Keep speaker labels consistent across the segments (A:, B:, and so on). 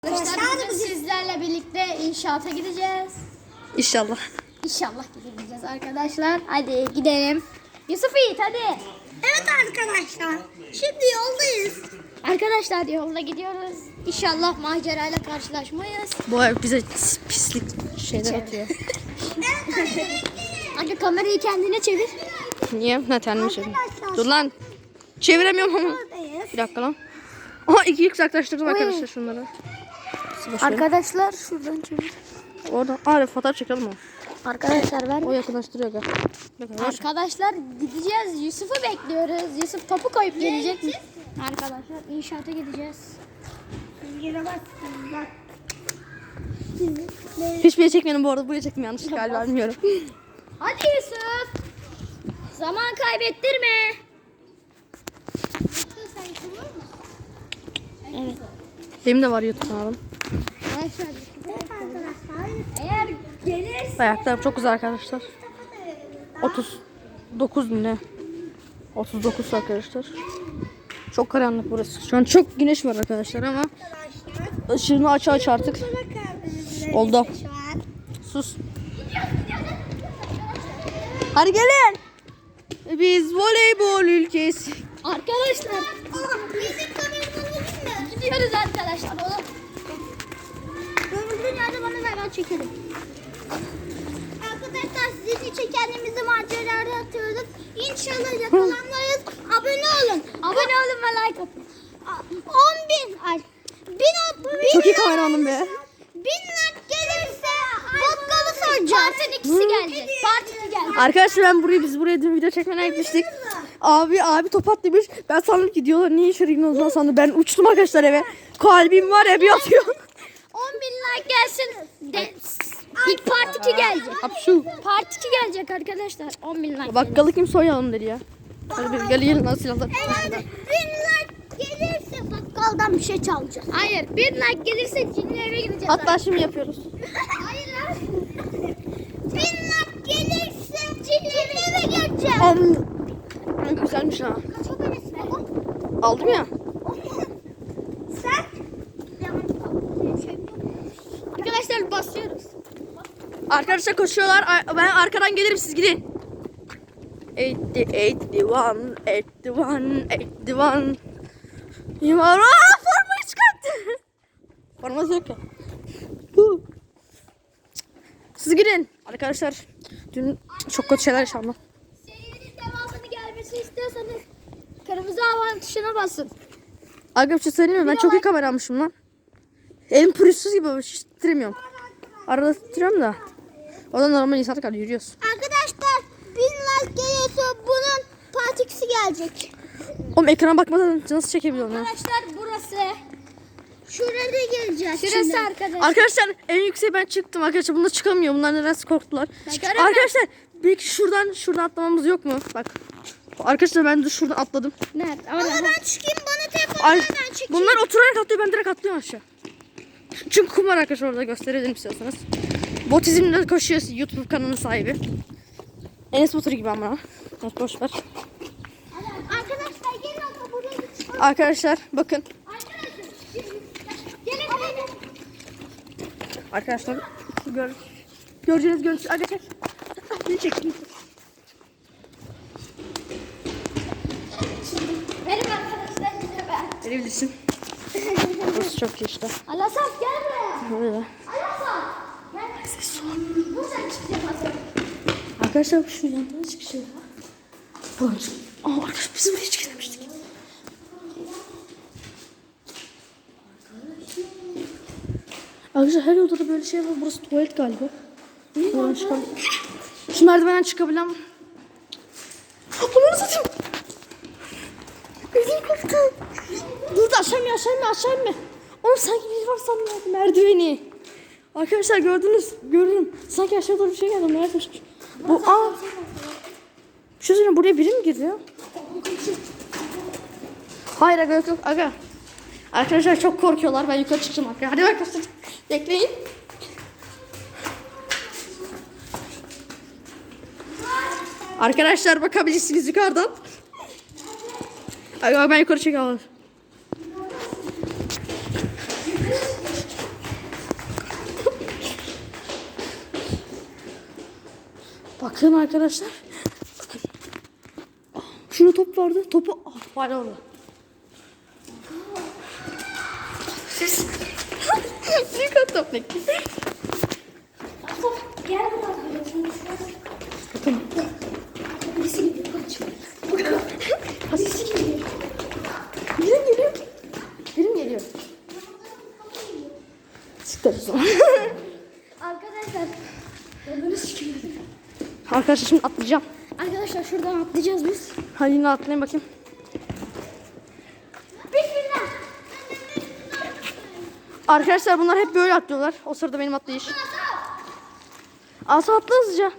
A: Arkadaşlar bugün sizlerle birlikte inşaata gideceğiz.
B: İnşallah.
A: İnşallah gideceğiz arkadaşlar. Hadi gidelim. Yusuf Yiğit hadi.
C: Evet arkadaşlar. Şimdi yoldayız.
A: Arkadaşlar yolda gidiyoruz. İnşallah macerayla karşılaşmayız.
B: Bu ev bize pislik şeyler atıyor.
A: Hadi kamerayı kendine çevir.
B: Niye? Ne tanrım şey. Dur lan. Çeviremiyorum ama.
C: Yoldayız.
B: Bir dakika lan. Aha iki uzaklaştırdım arkadaşlar şunları.
A: Arkadaşlar şuradan çevir.
B: Orada. Aa fotoğraf çekelim o.
A: Arkadaşlar ver.
B: O yakınlaştırıyor gel.
A: Arkadaşlar gideceğiz. Yusuf'u bekliyoruz. Yusuf topu koyup gelecek mi? Arkadaşlar inşaata gideceğiz.
C: Yere baksın bak.
B: Hiçbir yere çekmedim bu arada. Buraya çektim yanlışlıkla galiba bilmiyorum.
A: Hadi Yusuf. Zaman kaybettirme. Evet.
B: Benim de var YouTube kanalım.
A: Eğer gelirse
B: Ayaklarım çok güzel arkadaşlar. 39 mu ne? 39 arkadaşlar. Çok karanlık burası. Şu an çok güneş var arkadaşlar ama ışığını aç artık. Oldu. Sus. Hadi gelin. Biz voleybol ülkesi.
A: arkadaşlar bizim kameramanımız mı? Gidiyoruz arkadaşlar. Oğlum. Gömüldüğün yerde bana ver ben çekerim.
C: Arkadaşlar sizin için kendimizi maceralara atıyoruz. İnşallah yakalanmayız. Abone olun.
A: Abone olun ve like atın.
C: 10.000 ay. 1000
B: Çok iyi kameramanım be.
C: 1000 like gelirse bakkalı soracağız.
A: Partinin ikisi geldi. Part 2 geldi.
B: Arkadaşlar biz buraya dün video çekmeye gitmiştik. Abi top at demiş. Ben sandım ki diyorlar niye içeri gidiyorsunuz lan sandım. Ben uçtum arkadaşlar eve. Kalbim var ya bir atıyor.
A: 10.000 like gelsin. İlk part 2 gelecek.
B: Hapşu.
A: Part 2 gelecek arkadaşlar. 10.000 like.
B: Bakkalı kim soyalım dedi ya. Hadi biz gelin lan silahlar.
C: 1000 like gelirse bakkaldan bir şey çalacağız.
A: Hayır. 1000 like gelirse cinli eve gideceğiz.
B: Hatta şimdi yapıyoruz.
C: Hayır lan. 1000 like gelirse cinli eve geleceğiz.
B: Güzelmiş ha.
C: Kaç abonesi var?
B: Aldım ya.
C: Sen?
A: Arkadaşlar basıyoruz.
B: Arkadaşlar koşuyorlar. Ben arkadan gelirim siz gidin. 81. Yumara formayı çıkarttı. Forması yok ya. Siz gidin. Arkadaşlar dün çok kötü şeyler yaşandı.
A: Serinin devamını gelmesi istiyorsanız kırmızı havan tuşuna basın.
B: Aga bir şey söyleyeyim mi? Ben çok iyi kamera almışım lan. Elim pürüzsüz gibi hiç titremiyorum. Arada titriyorum da. O da normal insan kadar yürüyoruz.
C: Arkadaşlar 1000 like gelirse bunun partisi gelecek.
B: Oğlum ekrana bakmadan nasıl çekebiliyorum ya?
A: Arkadaşlar burası.
C: Şuraya geleceğiz.
A: Şurası arkadaşlar.
B: Arkadaşlar en yükseğe ben çıktım arkadaşlar. Bunlar çıkamıyor. Bunlar nedense korktular.
A: Çıkarım
B: Arkadaşlar belki şuradan atlamamız yok mu? Bak. Arkadaşlar ben de şuradan atladım.
A: Nerede?
C: Ama
A: Orada.
C: ben çıkayım bana telefonu
B: Ay,
C: ben çekeyim.
B: bunlar oturarak atlıyor. Ben direkt atlıyorum aşağı. Çünkü kum var arkadaşlar orada gösterelim istiyorsanız. Botizmle koşuyor YouTube kanalının sahibi. Enes Batur gibi ama. Evet, boş ver.
C: Arkadaşlar gelin ama buraya çıkalım.
B: Arkadaşlar bakın.
C: Gelin.
B: Arkadaşlar şu göreceğiniz görüntü. Arkadaşlar. Bir çekeyim.
A: Benim arkadaşlar size ben.
B: Verebilirsin. Burası çok iyi işte.
A: Alasaf gel buraya.
B: Böyle.
A: Alasaf. Gel. Buradan çıkacağım hazır.
B: Arkadaşlar şu yandan çıkışıyor. Arkadaşlar biz buraya hiç gidememiştik. Arkadaşlar her odada böyle şey var. Burası tuvalet galiba. Buradan çıkalım. Şu merdivenden çıkabilen... Bunu satayım. Elim koptu. Dur da aşağı inme. Oğlum sanki biri var sandım merdiveni. Arkadaşlar görürüm. Sanki aşağı doğru bir şey geldi. Nerede? Bu bir şey söyleyeyim, buraya biri mi girdi ya? Hayır aga yok. Aga. Arkadaşlar çok korkuyorlar. Ben yukarı çıkacağım arkadaşlar. Hadi arkadaşlar. Bekleyin. Arkadaşlar bakabilirsiniz yukarıdan. Aga ben yukarı çekiyorum. Bakın arkadaşlar. Bakın. Şurada top vardı. Topu var orada. Büyük top bekle.
A: Gel bakalım.
B: Bakın.
A: Birisi gidiyor. Kaç.
B: Birisi geliyor. Birim geliyor. Birim geliyor. Siktir o zaman.
A: Arkadaşlar. Gördünüz ki.
B: Arkadaşlar şimdi atlayacağım.
A: Arkadaşlar şuradan atlayacağız biz.
B: Hadi yine atlayayım bakayım.
A: Bismillah.
B: Arkadaşlar bunlar hep böyle atlıyorlar. O sırada benim atlayış. Asa atla hızlıca.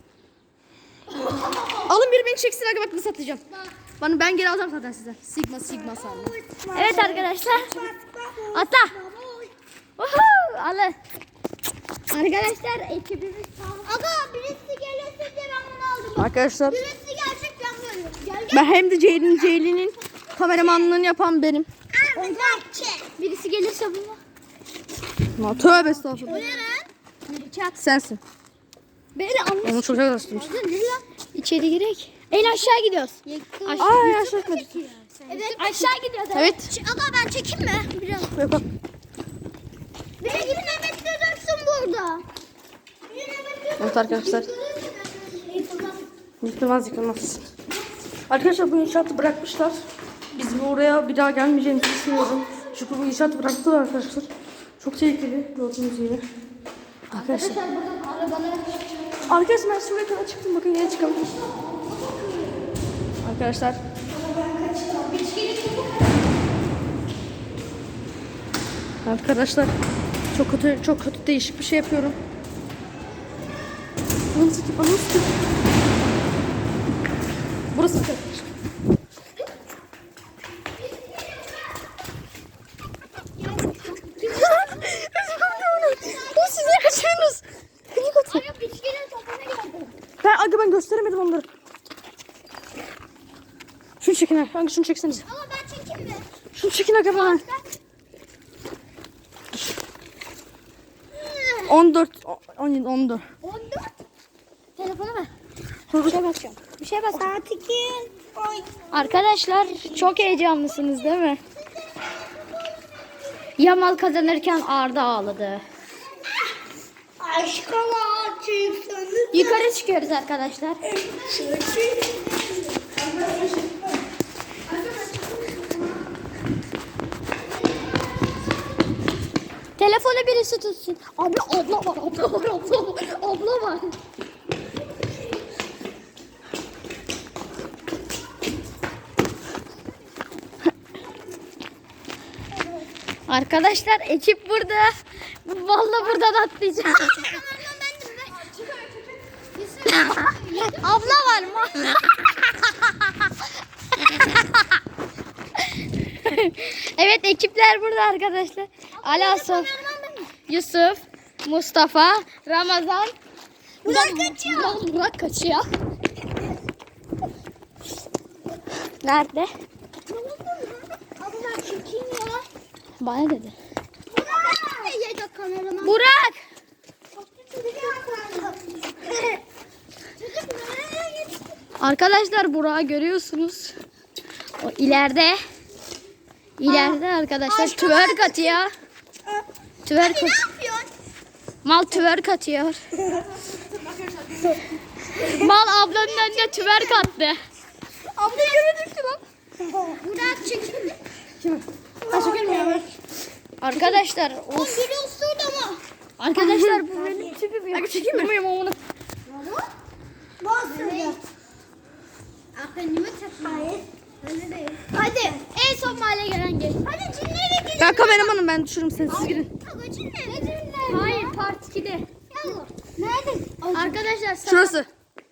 B: Alın biri beni çeksin aga bak nasıl atlayacağım. Ben geri alacağım zaten size. Sigma sandım.
A: Evet arkadaşlar. Atla. Woohoo! Alın. Arkadaşlar ekibimiz sağ.
C: Aga birisi gelirse de ben bunu aldım.
B: Arkadaşlar
C: Birisi gelecek ben böyle. Gel
B: ben hem de Ceylin'in kameramanlığını yapan benim.
C: gel. Çek.
A: Birisi gelirse bunu.
B: Ama tövbe estağfurullah.
A: Çat.
B: Sensin.
A: Beni anlasın.
B: Onu çok yaklaştırmış.
A: İçeri girek. En aşağı gidiyoruz.
B: Aa yaşlı etmedi.
C: Evet.
A: Aşağı gidiyoruz.
B: Evet.
C: Aga ben çekeyim mi? Biraz.
B: Yok bak.
C: Beni gibi Mehmet dursun burada.
B: Evet arkadaşlar. Yıkılmaz. Arkadaşlar bu inşaatı bırakmışlar. Biz buraya bir daha gelmeyeceğimizi düşünüyorum. Çünkü bu inşaatı bıraktılar arkadaşlar. Çok tehlikeli gördüğünüz gibi. Arkadaşlar. Arkadaşlar ben şuraya kadar çıktım. Bakın yine çıkabilirim. Arkadaşlar. Arkadaşlar çok kötü değişik bir şey yapıyorum. Bana sıkı. Burası arkadaşlar. Siz niye kaçıyorsunuz? Niye kaçıyorsunuz?
C: Biçkinin topuna geldim.
B: Ben gösteremedim onları. Şunu çekin ha. Hangi şunu çekseniz.
C: Ama ben çekeyim mi?
B: Şunu çekin aga bana. 14 17 14.
C: 14.
A: Telefonu ver.
B: Bir şey basacağım.
A: Bir şey bas.
C: Saat 2. Oy.
A: Arkadaşlar çok heyecanlısınız değil mi? Yamal kazanırken Arda ağladı.
C: Aşkına çıksanız.
A: Yukarı çıkıyoruz arkadaşlar. Telefonu birisi tutsun. Abi abla var. Arkadaşlar ekip burada. Vallahi buradan atlayacağım. Abla var mı? Evet ekipler burada arkadaşlar. Alasov, Yusuf, Mustafa, Ramazan. Burak kaçıyor. Nerede?
C: Abi ben çekeyim ya.
A: Bana dedi.
C: Yedek kameraman.
A: Burak! Arkadaşlar Burak'ı görüyorsunuz. O ileride. İleride arkadaşlar twerk atıyor. Twerk
C: Ne yapıyorsun?
A: Mal twerk atıyor. Mal ablanın önüne twerk attı.
B: Abla göremedim ki lan.
C: Burak çekeyim mi?
A: Arkadaşlar
C: O biri usurdu mu?
A: arkadaşlar bu benim tipim yok.
B: Çekeyim mi?
A: Onu.
C: Bastırdı. Aklımı takmayın. Öyle değil. Hadi en son mahalle gelen gel. Hadi cinlere gidelim.
B: Ben kameramanım ben düşürürüm seni siz girin.
C: Aga cinler. Ne cinler?
A: Hayır part 2'de.
C: Yallah. Nerede?
A: Arkadaşlar
B: Şurası.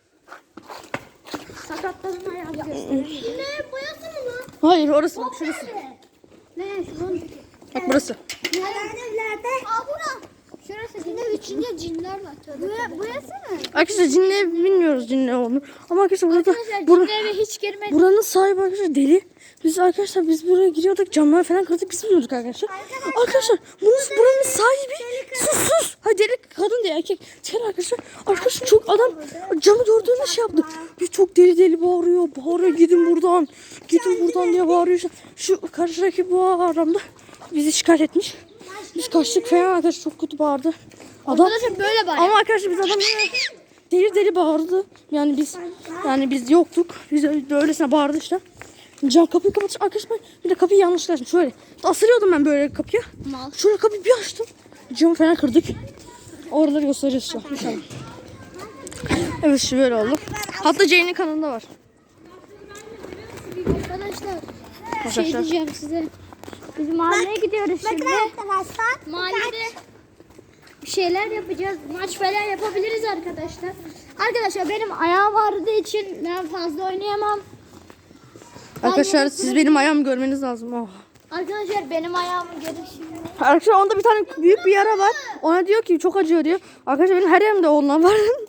A: sakatlarını ayağını
C: Cinlere boyası mı lan?
B: Hayır orası bak şurası.
C: Ne? Şuran.
B: Bak burası.
C: Nerede? Aa bura. Şurası cinler. İçinde cinler var. Burası mı?
B: Arkadaşlar cinle bilmiyoruz cinle olduğunu. Ama arkadaşlar burada
A: Arkadaşlar cinli eve hiç girmedik.
B: buranın sahibi arkadaşlar deli. Biz buraya giriyorduk camları falan kırdık biz bilmiyorduk arkadaşlar. Arkadaşlar buranın sahibi sus. Hayır deli kadın diye erkek. Sen arkadaşlar çok adam camı doğru şey yaptı. Bir çok deli bağırıyor. Bağırıyor gidin buradan. Gidin buradan diye bağırıyor. Şu karşıdaki bu aramda bizi şikayet etmiş. Biz kaçtık falan arkadaşlar, çok kötü bağırdı. Adam
A: Arkadaşlar böyle bari.
B: ama arkadaşlar biz adamı deli bağırdı. Yani biz yoktuk. Biz öylesine bağırdı işte. Can kapıyı kapatmış arkadaşlar, bir de kapıyı yanlışlıkla açtım. Şöyle asılıyordum ben böyle kapıya.
A: Mal.
B: Şöyle kapıyı bir açtım. Camı falan kırdık. Oraları göstereceğiz şu an inşallah. Evet şu böyle oldu. Hatta Jane'in kanalında var.
A: Arkadaşlar şey diyeceğim size. Biz mahalleye gidiyoruz şimdi.
C: arkadaşlar.
A: Mahallede bir şeyler yapacağız. Maç falan yapabiliriz arkadaşlar. Arkadaşlar benim ayağım ağrıdığı için ben fazla oynayamam.
B: Arkadaşlar siz benim ayağımı görmeniz lazım. Oh.
A: Arkadaşlar benim ayağımı görün şimdi.
B: Arkadaşlar onda bir tane büyük bir yara var. Ona diyor ki çok acıyor diyor. Arkadaşlar benim her yerimde ondan var.